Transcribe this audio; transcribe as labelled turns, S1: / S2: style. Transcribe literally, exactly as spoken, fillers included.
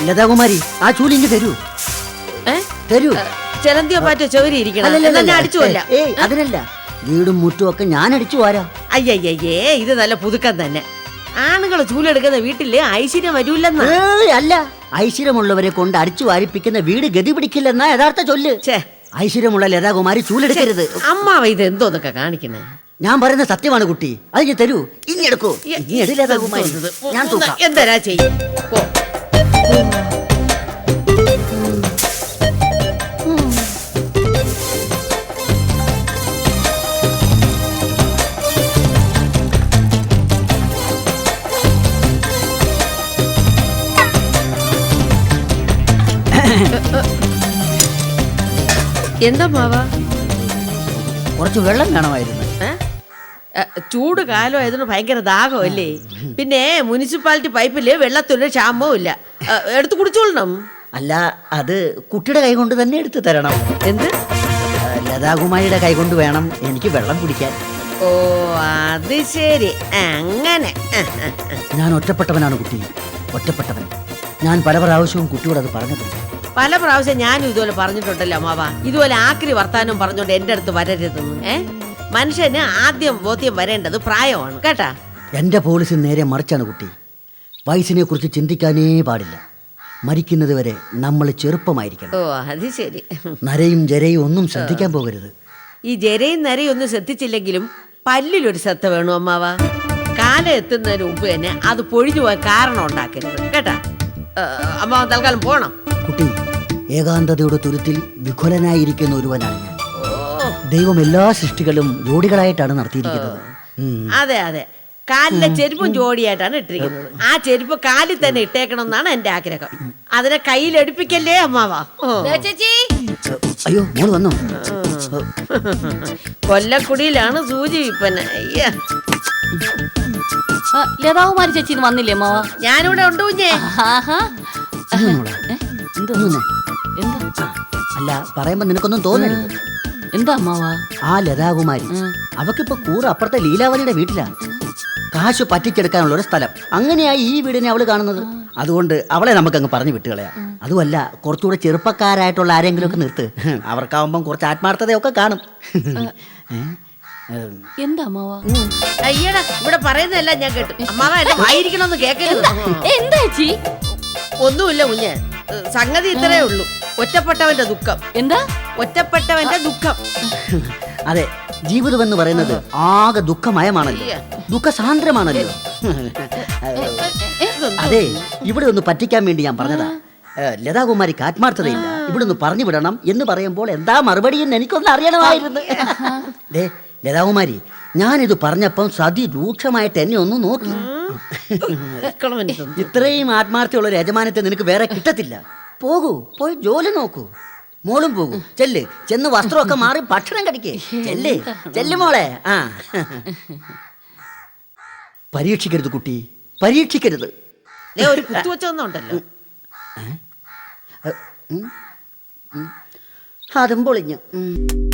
S1: ലതാകുമാരി ആ ചൂലിങ്ങ് തരൂ തരൂ.
S2: ചെലന്തിയോ പാറ്റോ ചൗരി അടിച്ചുവല്ല.
S1: ഏയ് അതിനല്ല, വീടും മുറ്റും ഒക്കെ ഞാൻ അടിച്ചു വാരാ.
S2: അയ്യയ്യേ, ഇത് നല്ല പുതുക്കം തന്നെ. ആണുങ്ങൾ ചൂലെടുക്കുന്ന വീട്ടില് ഐശ്വര്യം വരൂല്ലെന്നാ.
S1: അല്ല, ഐശ്വര്യമുള്ളവരെ കൊണ്ട് അടിച്ചു വാരിപ്പിക്കുന്ന വീട് ഗതി പിടിക്കില്ലെന്നാ യഥാർത്ഥ ചൊല്ല്. ഐശ്വര്യമുള്ള ലതാകുമാരി ചൂലെടുക്കരുത്.
S2: അമ്മാവ ഇത് എന്തോന്നൊക്കെ കാണിക്കണേ?
S1: ഞാൻ പറയുന്ന സത്യമാണ് കുട്ടി, അത് ഞാൻ തരൂ. ഇനി എടുക്കൂ. ലതാകുമാരി ഞാൻ തൂക്കാം.
S2: എന്താ ചെയ്യും? എന്താ മാവാ?
S1: കുറച്ച് വെള്ളം വേണമായിരുന്നു.
S2: ചൂട് കാലമായതിന് ഭയങ്കര ദാഹമല്ലേ? പിന്നെ മുനിസിപ്പാലിറ്റി പൈപ്പില് വെള്ളത്തിന് ക്ഷാമവും ഇല്ല. എടുത്ത് കുടിച്ചോളണം.
S1: അല്ല, അത് കുട്ടിയുടെ കൈ കൊണ്ട് തന്നെ എടുത്തു തരണം.
S2: എന്ത്?
S1: ലതാകുമാരിയുടെ കൈ കൊണ്ട് വേണം എനിക്ക് വെള്ളം കുടിക്കാൻ.
S2: ഓ അത് ശരി, അങ്ങനെ.
S1: ഞാൻ ഒറ്റപ്പെട്ടവനാണ് കുട്ടി, ഒറ്റപ്പെട്ടവൻ. ഞാൻ പല പ്രാവശ്യവും കുട്ടിയോട് അത് പറഞ്ഞിട്ടുണ്ട്.
S2: പല പ്രാവശ്യം ഞാനും ഇതുപോലെ പറഞ്ഞിട്ടുണ്ടല്ലോ അമ്മാവ. ഇതുപോലെ ആക്രി വർത്താനം പറഞ്ഞോണ്ട് എന്റെ അടുത്ത് വരരുതെന്ന്. ഏ മനുഷ്യന് ആദ്യം ബോധ്യം വരേണ്ടത് പ്രായമാണ് കേട്ടാ.
S1: എന്റെ പോളിസി നേരെ മറിച്ചാണ് കുട്ടി. വയസ്സിനെ കുറിച്ച് ചിന്തിക്കാനേ പാടില്ല. മരിക്കുന്നത് വരെ നമ്മൾ ചെറുപ്പമായിരിക്കണം.
S2: ഓ അത് ശരി.
S1: നരയും ജരയും ഒന്നും ശ്രദ്ധിക്കാൻ പോകരുത്.
S2: ഈ ജരയും നരയും ഒന്നും ശ്രദ്ധിച്ചില്ലെങ്കിലും പല്ലിലൊരു ശ്രദ്ധ വേണു അമ്മാവ. കാലം എത്തുന്നതിന് മുമ്പ് തന്നെ അത് പൊഴിഞ്ഞു പോയ കാരണം ഉണ്ടാക്കരുത് കേട്ടാ. അമ്മാവൻ തൽക്കാലം പോണം.
S1: കുട്ടി, ഏകാന്തതയുടെ തുരുത്തിൽ വിഘുലനായിരിക്കുന്ന ഒരുവനാണ് ഞാൻ. ദൈവം എല്ലാ സൃഷ്ടികളും ജോഡികളായിട്ടാണ് നടത്തിയിരിക്കുന്നത്.
S2: അതെ അതെ, കാലിലെ ചെരുപ്പും ജോഡിയായിട്ടാണ് ഇട്ടിരിക്കുന്നത്. ആ ചെരുപ്പ് കാലിൽ തന്നെ ഇട്ടേക്കണം എന്നാണ് എന്റെ ആഗ്രഹം. അതിനെ കയ്യിൽ എടുപ്പിക്കല്ലേ അമ്മാവാ.
S1: അയ്യോ, മോള് വന്നോ?
S2: കൊല്ലക്കുടിയിലാണ് സൂചി വിപ്പന.
S3: ലതാകുമാരി ചേച്ചി വന്നില്ലേ അമ്മാവ?
S2: ഞാനിവിടെ ഉണ്ട് കുഞ്ഞേ.
S1: അല്ല, പറയുമ്പോ നിനക്കൊന്നും തോന്നരുത്.
S3: എന്താ അമ്മാവ?
S1: ആ ലതാകുമാരി അവക്കിപ്പോ കൂറ് അപ്പുറത്തെ ലീലാവതിയുടെ വീട്ടിലാ. കാശ് പറ്റിച്ചെടുക്കാനുള്ള ഒരു സ്ഥലം. അങ്ങനെയായി ഈ വീടിനെ അവള് കാണുന്നത്. അതുകൊണ്ട് അവളെ നമുക്കങ്ങ് പറഞ്ഞു വിട്ടുകളയാ. അതുമല്ല, കുറച്ചുകൂടെ ചെറുപ്പക്കാരായിട്ടുള്ള ആരെങ്കിലും ഒക്കെ നിർത്ത്. അവർക്കാവുമ്പം കുറച്ച് ആത്മാർത്ഥതയൊക്കെ കാണും.
S3: എന്താ അമ്മാവ?
S2: അയ്യടാ, ഇവിടെ പറയുന്നതല്ല ഞാൻ കേട്ടു. അമ്മാവ എന്നെ വായിരിക്കണമെന്ന് കേൾക്കരുത്.
S3: എന്താ ചേച്ചി?
S2: ഒന്നുമില്ല കുഞ്ഞ്, സംഗതി ഇത്രേ ഉള്ളൂ. ഒറ്റപ്പെട്ടവന്റെ ദുഃഖം.
S3: എന്താ?
S2: ഒറ്റപ്പെട്ടവന്റെ ദുഃഖം.
S1: അതെ, ജീവിതം എന്ന് പറയുന്നത് ആകെ ദുഃഖമയമാണല്ലോ, ദുഃഖസാന്ദ്രമാണല്ലോ. അതെ, ഇവിടെ ഒന്ന് പറ്റിക്കാൻ വേണ്ടി ഞാൻ പറഞ്ഞതാ. ലതാകുമാരിക്ക് ആത്മാർത്ഥതയില്ല, ഇവിടെ ഒന്ന് പറഞ്ഞു വിടണം എന്ന് പറയുമ്പോൾ എന്താ മറുപടി എന്ന് എനിക്കൊന്ന് അറിയണമായിരുന്നു. ദേ ലതാകുമാരി, ഞാനിത് പറഞ്ഞപ്പം സതി രൂക്ഷമായിട്ട് എന്നെ ഒന്ന് നോക്കി. ഇത്രയും ആത്മാർത്ഥമുള്ള ഒരു യജമാനത്തെ നിനക്ക് വേറെ കിട്ടത്തില്ല. പോകൂ, പോയി ജോലി നോക്കൂ. മോളും പോകൂ. ചെല്ല്, ചെന്ന് വസ്ത്രമൊക്കെ മാറി ഭക്ഷണം കഴിക്കേ. ചെല്ല് ചെല്ല് മോളെ. ആ പരീക്ഷിക്കരുത് കുട്ടി, പരീക്ഷിക്കരുത്.
S2: ഒരു കുത്തുവച്ചൊന്നുണ്ടല്ലോ,
S1: അതും പൊളിഞ്ഞു.